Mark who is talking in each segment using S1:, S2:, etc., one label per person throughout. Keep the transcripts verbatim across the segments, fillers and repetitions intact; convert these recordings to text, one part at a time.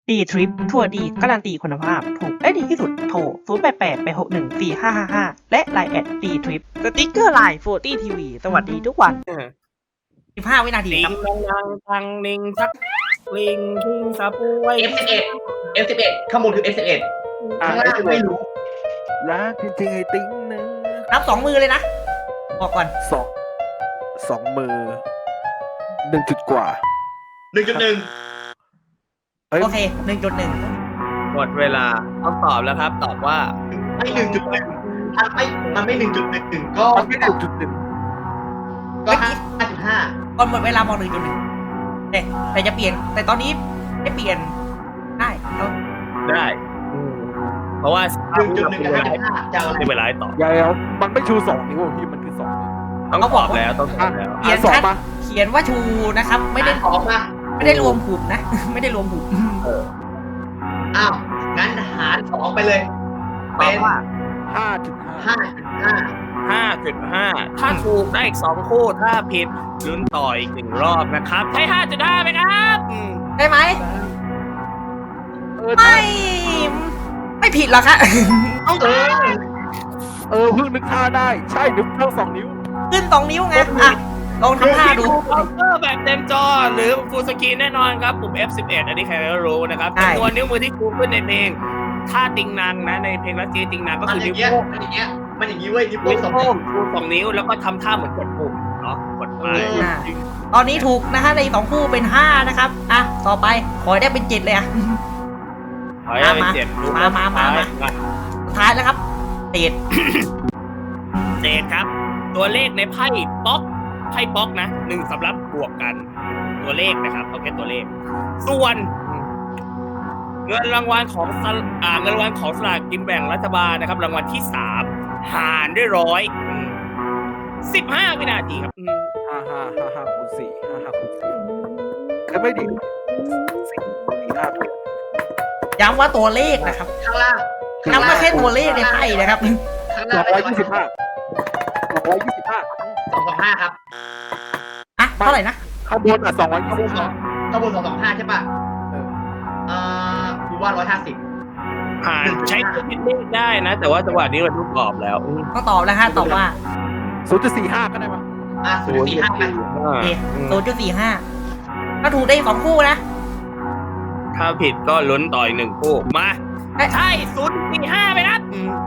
S1: ดีทริปทัวร์ดีการันตีคุณภาพถูกและดีที่สุดโทร ศูนย์ แปด แปด แปด หก หนึ่ง สี่ ห้า ห้า ห้า และไลน์แอดดีทริปสติ๊กเกอร์ไลน์โฟร์ตี้ทีวีสวัสดีทุกวัน สิบห้า วินาที
S2: ติ
S1: ครั
S2: ง
S1: บ
S2: ลังลังทังนิงชักลิงคิงซาปุย
S3: เอฟ สิบเอ็ด เอฟ สิบเอ็ด ข้างบนคือ เอฟ สิบเอ็ด ข้างล่างไม่รู้
S4: รักจริงๆไอ้ติ้งนึง
S1: นับสองมือเลยนะบอกก่อน
S4: สองสองมือหนึ่งจุดกว่า
S3: หนึ่งจุดหนึ่ง
S4: เฮ้ย
S1: โอเค หนึ่งจุดหนึ่ง
S2: หมดเวลาต้องตอบแล้วครับ ตอบว่า
S3: ไม่หนึ่งจุดหนึ่งมันไม่ มันไม่หนึ่งจุดหนึ่งก็
S4: มันไม่หนึ่งจุดหนึ่ง
S3: ก็ห้าจุดห้า
S1: ก่อนหมดเวลาบอกหนึ่งจุดหนึ่งแต่แต่จะเปลี่ยน แต่ตอนนี้ไม่เปลี่ยนได้เอา
S2: ได้อืมเพราะว่า
S3: หนึ่งจุดหนึ่งกับห้าจุดห้าจะเอาอะไร
S2: ในเวลาให้ตอบ
S4: อย่าเอามันไม่ชูสองนิ้วอะพี่มันคือสองนิ้ว
S2: ต้องตอบแล้วต้องตอบแล้ว
S1: เขียน
S4: สอง
S1: ชัด
S4: มา
S1: เขียนว่าชูนะครับ ไม่ได้
S3: ออกมา
S1: ไม่ได้รวมหุบนะ ไม่ได้รวมหุบ
S3: อ้าว งั้นหารสองไปเลย
S2: ตอบว่า
S4: ห้าจุดห้า
S3: ห้าจุดห้า
S2: ห้าจุดห้าถ้าถูกได้อีกสองคู่ถ้าผิดลุ้นต่ออีกหนึ่งรอบนะครับใช่ห้าจุดห้าไหมครับอืม
S1: ได้ไหม
S4: เออ
S1: ไม่ ไม่ผิดหรอกครับ
S3: เออ
S4: เออเพิ่งนึกท่าได้ ใช่นิ้วเท่าสองนิ้ว
S1: ขึ้นสองนิ้วไงอ่ะลองทำท่าดู
S2: คอมพิวเตอร์แบบเต็มจอหรือฟูลสกรีนแน่นอนครับปุ่ม เอฟ สิบเอ็ด อันนี้ใครก็รู้นะครับ
S1: ใช่
S2: จำนวนนิ้วมือที่ชูขึ้นในเพลงท่าติงนางนะในเพลงรัสเซียติงนางก็
S3: มัน
S2: คือ
S3: อ
S2: นิ้
S3: ย่าว งเงี้ย
S2: โป้ง
S3: มันอย่างเงี้ย มันอย่างงี้เว้ยนิ้วโป้
S2: นิ้
S3: ง
S2: ว
S3: สอง
S2: โป้
S3: นิ้ว
S2: งชูสองนิ้วแล้วก็ทำท่าเหมือนกดปุ่มเนาะกดไป
S1: อ่ะตอนนี้ถูกนะฮะในสองคู่เป็นห้านะครับ อ่ะ ต่อไปขอให้ได้เป็นเจ็ดเลยอ่ะ
S2: ถอยให้เป็นเจ็ดรูป
S1: มามามามา สุดท้ายแล้วครับเศษ
S2: เศษครับ ตัวเลขในไพ่ป๊อกไพ่ป๊อกนะหนึ่งสำรับบวกกัน ตัวเลขนะครับเอาแค่ตัวเลข ส่วน เงินรางวัลของสลอ่าเงินรางวัลของสลากกินแบ่งรัฐบาลนะครับ รางวัลที่สามหารด้วยร้อยสิบห้าวินาทีครับอืม
S4: ห้าห้าห้าห้าคูณสี่ห้าห้าคูณสี่ก็ไม่ดีสี่สี่ห้าถูก
S1: ย้ำว่าตัวเลขนะครับ
S3: ข้างล่าง
S1: ย้ำว่าแค่ตัวเลขในไพ่นะครับ
S3: ข้าง
S4: ส
S3: ล่า
S4: อง งร้อยยี่สิบห้าสองร้อยยี่สิบห้า
S3: สองสองห้าครับ
S1: อ่ะ เท่าไหร่นะ
S4: ข้างบนอ่ะสองร้อยยี่
S3: ข้างบ
S4: สิ
S3: น
S4: บ
S3: สอ
S4: ห้าง
S3: ข้างบนสองสองห้าใช่ป่ะ
S4: เออ
S3: เอ่อดูว่าร้อยห้าสิบ
S2: หารใช้ตัวคิดเลขได้นะ แต่ว่าจังหวะนี้มันทุกกรอบแล้วอืม
S1: ต้องตอบแล้วฮะ ตอบว่า
S4: ศูนย์จุดสี่ห้าก็ได้ปะ
S3: อ่ะศูนย์สี่ห้าไป
S1: โอเคศูนย์จุดสี่ห้าถ้าถูกได้สองคู่นะ
S2: ถ้าผิดก็ลุ้นต่ออีกหนึ่งคู่มา
S1: เอ้ย
S2: ใช่ศูนย์สี่ห้าไปนะอืม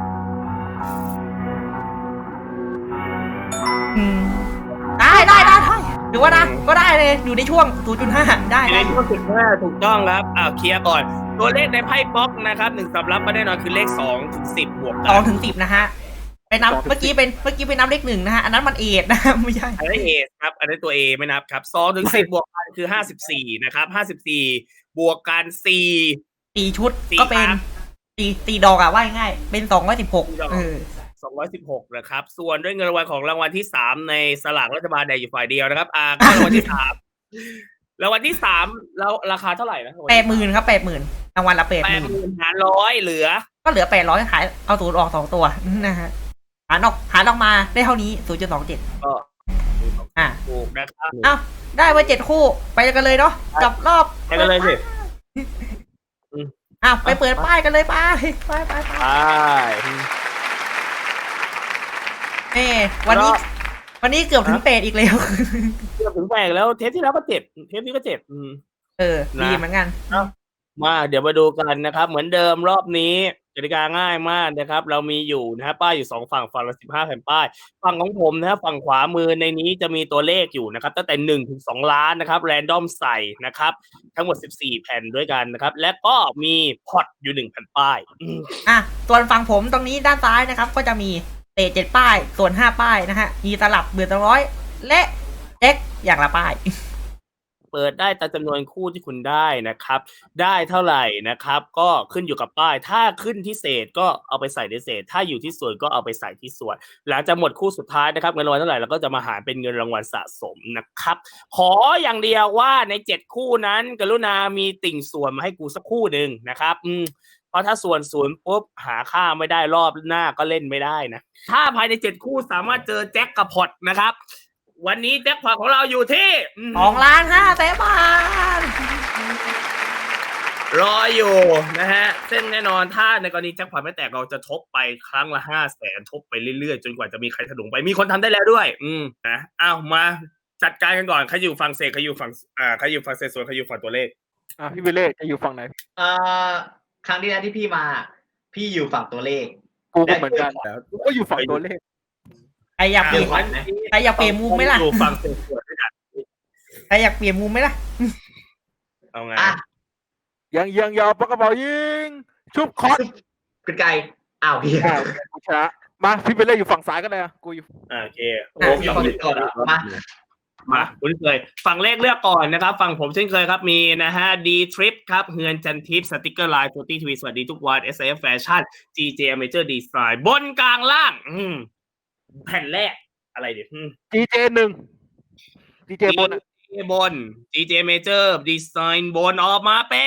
S1: อืมได้ได้ได้ได้ถือว่านะก็ได้เลย อยู่ในช่วง ศูนย์จุดห้า ได้
S2: ใน
S1: ได้
S2: ช่วงสิบห้าถูกต้องครับอ้าวเคลียร์ก่อน ตัวเลขในไพ่ป๊อกนะครับหนึ่งสำรับมาแน่นอนคือเลขสองถึงสิบบวก
S1: ส
S2: กั
S1: อง
S2: น
S1: ถึงสิบนะฮะ ไปนับ เมื่อกี้เป็น เมื่อกี้เป็นนับเลขหนึ่งนะฮะ อันนั้นมันเอทนะ ไม่ใช่
S2: อันนี้เอครับ อันนี้ตัว A ไม่นับครับสองถึงสิบบวกกันคือห้าสิบสี่นะครับห้าสิบสี่บวกกันสี่
S1: สี่ชุด
S2: สี่
S1: ก็เป็น
S2: ครับ
S1: สี่สี่ดอกอะว่าง่ายๆเป็นสองร้อยสิบหก
S2: สี่ดอก
S1: เออ
S2: สองร้อยสิบหกนะครับ ส่วนด้วยเงินรางวัลของรางวัลที่สามในสลากรัฐบาลแดงอยู่ฝ่ายเดียวนะครับ อ่าก็รางวัลที่สามรางวัลที่สามแล้วราคาเท่าไหร่นะ
S1: แปดหมื่นครับแปดหมื่นรางวัลละแปด
S2: แป
S1: ห
S2: ด
S1: มื่น
S2: หมื่นหารร้อยเหลือ
S1: ก็เหลือแปดร้อยหายเอาศูนย์ออกสองตัวนะฮะหารออกหารออกมาได้เท่านี้ศูนย์จุดสองเจ็ด
S2: ก็
S1: อ่ะ
S2: ถูกนะครับ
S1: เอ้าได้มาเจ็ดคู่ไปกันเลยเนาะกับรอบ
S2: ไปกันเลยสิ
S1: อ้าวไปเปิดป้ายกันเลยไปไปไปไป
S2: ใช่
S1: เอ้วันนี้ วันนี้เกือบถึงเป็ดอีกแล้ว
S2: เกือบถึงแปลกแล้วเทปที่แล้วก็เจ็บเทปนี้ก็เจ็บอืม
S1: เออ
S2: นะ
S1: ดีเหมือนกัน
S2: มาเดี๋ยวมาดูกันนะครับ เหมือนเดิมรอบนี้กติกาง่ายมากนะครับ เรามีอยู่นะฮะป้ายอยู่สองฝั่งฝั่งละสิบห้าแผ่นป้ายฝั่งของผมนะฮะฝั่งขวามือในนี้จะมีตัวเลขอยู่นะครับตั้งแต่หนึ่งถึงสองล้านนะครับแรนดอมใส่นะครับ ทั้งหมดสิบสี่แผ่นด้วยกันนะครับ และก็มีพอตอยู่หนึ่งแผ่นป้ายอืม
S1: อ่ะส่วนฝั่งผมตรงนี้ด้านซ้ายนะครับ ก็จะมีเตะเจ็ดป้าย ส่วนห้าป้ายนะฮะมีตลับเบือนตร้อยและเอ็กอย่างละป้าย
S2: เปิดได้ตามจำนวนคู่ที่คุณได้นะครับ ได้เท่าไหร่นะครับ ก็ขึ้นอยู่กับป้าย ถ้าขึ้นที่เศษก็เอาไปใส่ในเศษ ถ้าอยู่ที่ส่วนก็เอาไปใส่ที่ส่วน หลังจากหมดคู่สุดท้ายนะครับเงินรางวัลเท่าไหร่เราก็จะมาหารเป็นเงินรางวัลสะสมนะครับ ขออย่างเดียวว่าในเจ็ดคู่นั้น กรุณามีติ่งส่วนมาให้กูสักคู่หนึ่งนะครับอืมเพราะถ้าส่วนศูนย์ปุ๊บหาค่าไม่ได้รอบหน้าก็เล่นไม่ได้นะ ถ้าภายในเจ็ดคู่สามารถเจอแจ็คกับพอตนะครับ วันนี้แจ็คพอตของเราอยู่ที่อืม
S1: สองล้านห้าแสนบาท
S2: รออยู่นะฮะซึ่งแน่นอนถ้าในกรณีแจ็คพอตไม่แตกเราจะทบไปครั้งละห้าแสนทบไปเรื่อยๆจนกว่าจะมีใครถลุงไปมีคนทำได้แล้วด้วย อืมนะอ้าวมาจัดการกันก่อนใครอยู่ฝั่งเศษใครอยู่ฝั่งอ่าใครอยู่ฝั่งเศษส่วนใครอยู่ฝั่งตัวเลข
S4: อ่ะพี่เบลเล่จะอยู่ฝั่งไหน
S3: เอ่อครั้งที่แล้วที่พี่มา พี่อยู่ฝั่งตัวเลข
S4: กูก็เหมือนกันกูก็อยู่ฝั่งตัวเลข
S1: ใครอยากเปลี่ยน
S3: อ่ะ
S1: ใครอยากเปลี่ยนมุมไหมล่ะ
S2: อยู่ฝั่งเศษส่วนด้วยกัน
S1: ใครอยากเปลี่ยนมุมไหมล่ะ
S2: เอาไง
S3: อ่ะ
S4: ยังยังยาวปากกระเป๋ายิงชุบคอส
S3: เป็นไกลอ้าวพี่
S4: อ้าวกูชนะมาพี่เบลเล่อยู่ฝั่งซ้ายกันเลยอ่ะกูอยู่
S2: อ่าโอเค
S3: โอ้โหพี่คนก่อนมา
S2: มาคุณเคยฝั่งเลขเลือกก่อนนะครับฝั่งผมเช่นเคยครับมีนะฮะ D Trip ครับเฮือนจันทิพย์สติกเกอร์ไลน์โฟร์ตี้ทีวีสวัสดีทุกวัน เอส เอฟ Fashion จี เจ Major Design บนกลางล่าง อืมแผ่นแรกอะไรดิอืม
S4: จีเจหนึ่งจีเจบนอ่ะ
S2: จี เจ บน จี เจ Major Design บนออกมาเป็น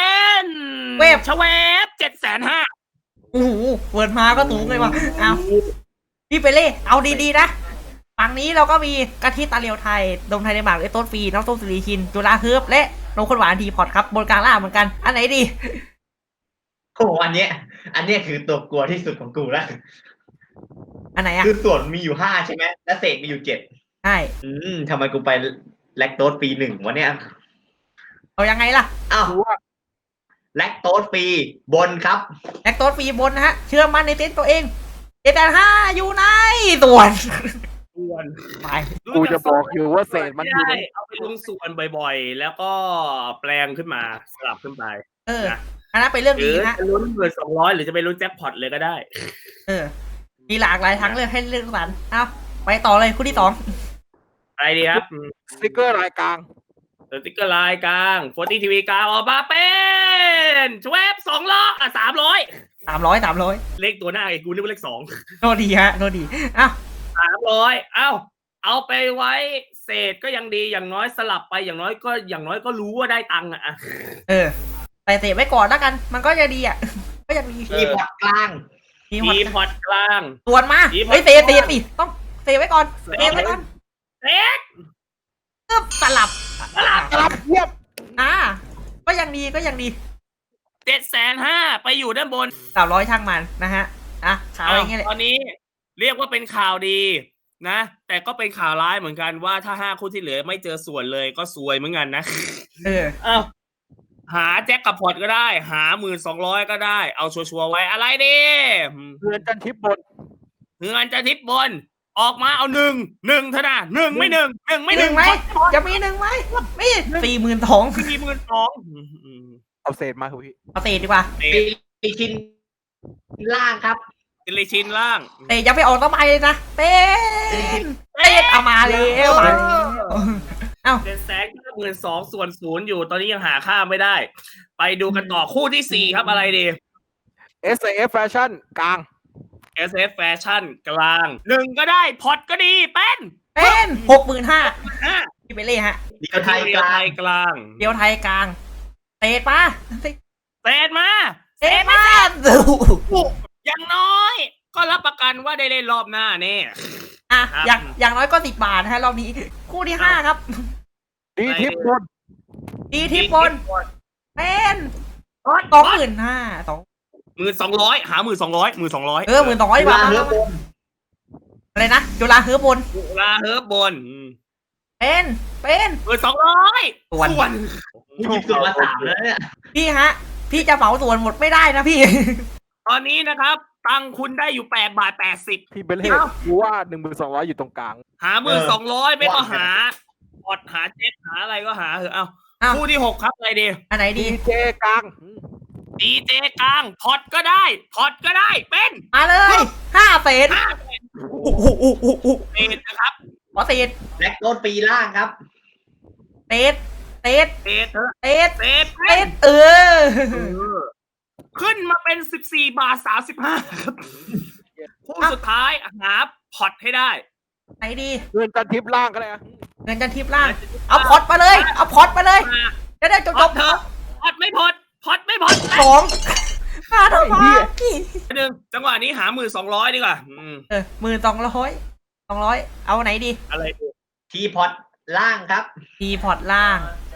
S1: เวฟ
S2: ชเวฟเจ็ดแสนห้า
S1: โอ้โหเปิดมาก็สูงเลยว่ะเอาพี่ไปเล่เอาดีๆนะฝั่งนี้เราก็มีกะทิตาเลียวไทยดมไทยในหมากไอต้นฟรีน้องส้มสุรีชินจุฬาเฮิร์บและนมข้นหวานทีพอตครับบนกลางล่างเหมือนกันอันไหนดี
S3: โอ้โหอันเนี้ย อันเนี้ยคือตัวกลัวที่สุดของกูแล้ว
S1: อันไหนอะ
S3: คือส่วนมีอยู่ห้าใช่ไหมและเศษมีอยู่เจ็ด
S1: ใช่
S3: อืมทำไมกูไปแลคโตสปีหนึ่งวะเนี่ย
S1: เอายังไงล่ะ
S3: อ้าว
S4: กูว่า
S3: แลคโตสปีบนครับ
S1: แอคโตฟรีบนนะฮะเชื่อมั่นในเต็นท์ตัวเองเจ็ดแปดห้าอยู่ในส่วน
S2: ส่วน
S1: ไป
S4: กูจะบอกอยู่ว่าเศษมันอยู่
S2: ได้
S4: ใน
S2: เอาไปลงส่วนบ่อยๆ แล้วก็แปลงขึ้นมาสลับขึ้นไป
S1: เอออันนั้นเป็นเรื่อง
S2: หรื
S1: ดี
S2: อ
S1: นะ
S2: จะลุ้นเงินสองร้อยหรือจะไปลุ้นแจ็คพอตเลยก็ได้
S1: เออมีหลากหลายทางเลือกให้เลือกสรรเอาไปต่อเลยคู่ที่สอง
S2: อะไรดีครับ
S4: สติ๊กเกอร์ลายกลาง
S2: สติ๊กเกอร์ไลน์กลางโฟร์ตี้ทีวีกลางออกมาเป็นชเวฟสองล้ออ่ะสามร้อย
S1: สามร้อยสามร้อย
S2: เลขตัวหน้าไอ้กูนึกว่าเลขสอง
S1: โทษดีฮะโทษดีเอ้า
S2: สามร้อยเอ้า เอาไปไว้เศษก็ยังดีอย่างน้อยสลับไปอย่างน้อยก็อย่างน้อยก็รู้ว่าได้ตังค์อ่ะ
S1: เออใส่เศษไว้ก่อนแล้วกัน มันก็จะดีอ่ะ ก็ยังดี
S3: มีพอร์ตกลาง
S1: มีหม
S2: มี
S1: ด
S2: พอร์ตกลาง
S1: ส่วนมา
S2: มีหมด
S1: เฮ้ยเศษเศษสิต้องเศษไว้ก่อนเศษไว้ก่อน
S2: เศษ
S1: ตึ๊บสลับ
S2: สลับ
S4: กลับเยียบ
S1: อ่าก็ยังดีก็ยังดี
S2: เจ็ดแสนห้าไปอยู่ด้านบน
S1: สามร้อยช่างมันนะฮะอ่ะข่าวอย่างเงี้ยแหละ
S2: ตอนนี้เรียกว่าเป็นข่าวดีนะ แต่ก็เป็นข่าวร้ายเหมือนกันว่าถ้าห้าคู่ที่เหลือไม่เจอส่วนเลยก็ซวยเหมือนกันนะ
S1: เออ
S2: เอ้าหาแจ็คกับพอร์ตก็ได้ หาหมื่นสองร้อยก็ได้เอาชัวร์ๆไว้อะไรดี
S4: เรือนจันทิพย์บน
S2: เงินจะทิปบน ออกมาเอาหนึ่งหนึ่งเท่านั้นหนึ่งไม่หนึ่งหนึ่งไม่
S1: ห
S2: ห
S1: นึ่
S2: นึ่
S1: ง
S2: ง
S1: ไหมจะมีหนึ่งไหมมีสี่หมื่นสอง
S2: สี่หมื่นสอง
S4: เอาเศษมาครับพี่
S1: เอาเศษดีกว่า
S3: ปีชิ้นล่างครับ
S2: เอลิชินล่าง
S1: เตะยังไม่ออกต้นไม้เลยนะเต้นเต้นเอามาแล้วมาแล้ว
S2: เจ็ดแสนเก้าหมื่นสองส่วนศูนย์อยู่ตอนนี้ยังหาค่าไม่ได้ ไปดูกันต่อคู่ที่สี่ครับอะไรดี
S4: เอส เอฟ Fashion กลาง
S2: เอส เอฟ Fashion กลางหนึ่งก็ได้พอร์ตก็ดีเป็น
S1: เป็นหกหมื่นห้า
S2: ห้า
S1: พี่ไปเล่ฮะ
S3: เดียวไทยกลาง
S2: กลาง
S1: เดียวไทยกลางเตะมา
S2: เศษมา
S1: เตะมา
S2: อย่างน้อย ก็รับประกันว่าได้เล่นรอบหน้าแน่
S1: อ่ะ
S2: ครับ
S1: อย่างอย่างน้อยก็สิบบาทนะฮะรอบนี้ คู่ที่ห้าครับ
S4: ดีทิพย์บน
S1: ดีทิปบนเป็น
S2: พอร์ต
S1: สองหมื่นห้าสอง
S2: หมื่นสองร้อยหาหมื่นสองร้อยหมื่นสองร้อย
S1: เออหมื่นสองร้อย
S3: จุ
S1: บา
S3: ฬา
S1: ท
S3: เฮือบน
S1: อะไรนะจุฬาเฮือบน
S2: จุฬาเฮิร์บบน
S1: เป็นเป็น
S2: หมื่นสองร้อย
S1: ส่วน
S2: ส่วน
S3: กูหยิบส่วนมาสามแล้วเนี่ย
S1: พี่ฮะ พี่จะเหมาส่วนหมดไม่ได้นะพี่
S2: ตอนนี้นะครับ ตังค์คุณได้อยู่แปดบาทแปดสิบ
S4: พี่เบลเล่กูว่าหนึ่งหมื่นสองร้อยอยู่ตรงกลาง
S2: หาหมื่นสองร้อยไม่ก็หาพอดหาเจ็ดหาอะไรก็หาเถอะเอา
S1: เอ้า
S2: คู่ที่หกครับอะไรดี
S1: อันไหน
S4: ดี
S1: ดี
S4: เจกลาง
S2: ดีเจกลางพอดก็ได้พอดก็ได้เป็น
S1: มาเลยห้าเศษ
S2: ห้า
S1: โอ้โหโอ้โหโอ้โห
S2: เศษนะครับ
S1: ขอเศษ
S3: แลคโตสปีล่างครับ
S1: เศษเศษ
S2: เศษเถอะ
S1: เศษ
S2: เศษ
S1: เศษเออ
S2: เออขึ้นมาเป็นสิบสี่บาทสามสิบห้าครับคู่สุดท้ายหาพอดให้ได้
S1: ไหนดี
S4: เรือนจันทิพย์ล่างก็ได้อะ
S1: เงินจันทิปล่าง เอาพอดมาเลย เอาพอดมาเลย
S2: มา
S1: จะได้จบ
S2: พ
S1: จ
S2: อบ ดเถอะพอดไม่พอดพอดไม่พอด
S1: สองมาทำไม
S2: หนึ่งจังหวะนี้หาหมื่นสองร้อยดีกว่าอืม
S1: เออหมื่นสองร้อยสองร้อยเอาไหนดี
S2: อะไรดี
S3: ทีพอร์ตล่างครับ
S1: ทีพอดล่าง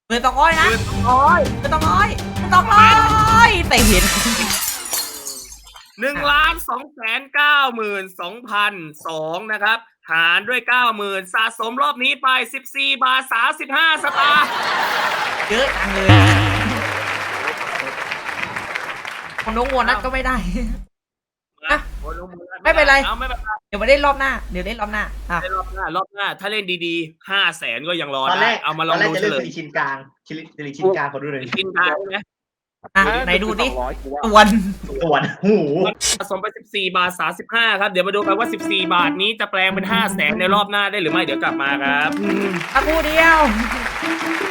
S1: เงินสองร้อยนะ
S2: เงินสองร้อย
S1: เงินสองร้อยเงินสองร้อยแต่เห็น
S2: หนึ่งล้านสองแสนเก้าหมื่นสองพันสองนะครับหารด้วยเก้าหมื่นสะสมรอบนี้ไปสิบสี่บาทสามสิบห้าสตางค์
S1: เยอะจังเลยคนน้องวัวนัดก็ไม่ได้ อ่ะ ไม่เป็นไร
S2: เอาไม่เป็นไร
S1: เดี๋ยวมาเล่นรอบหน้าเดี๋ยวเล่นรอบหน้าอ่ะ
S2: รอบหน้ารอบหน้า ถ้าเล่นดีๆห้าแสนก็ยังรอ
S3: ตอนแร
S2: ได้
S3: ก
S2: เอามาล
S3: ต
S2: อ
S3: อง นแรก
S2: ดู
S3: จะ
S2: เฉ
S3: เลือก
S2: ล
S3: สิ
S2: ย
S3: ริชินกลางสิริสิริชินกลางขอดูหน่อย
S2: กินได้ใช่ไหม
S1: อ่ะไหนดูดิ
S4: สองร้อยกูว่า
S1: ตวน
S3: ส่วนหู
S2: สะสมไปสิบสี่บาทสามสิบห้าครับเดี๋ยวมาดูกันว่าสิบสี่บาทนี้จะแปลงเป็นห้าแสนในรอบหน้าได้หรือไม่เดี๋ยวกลับมาครับ
S1: สักครู่เดียว
S2: ค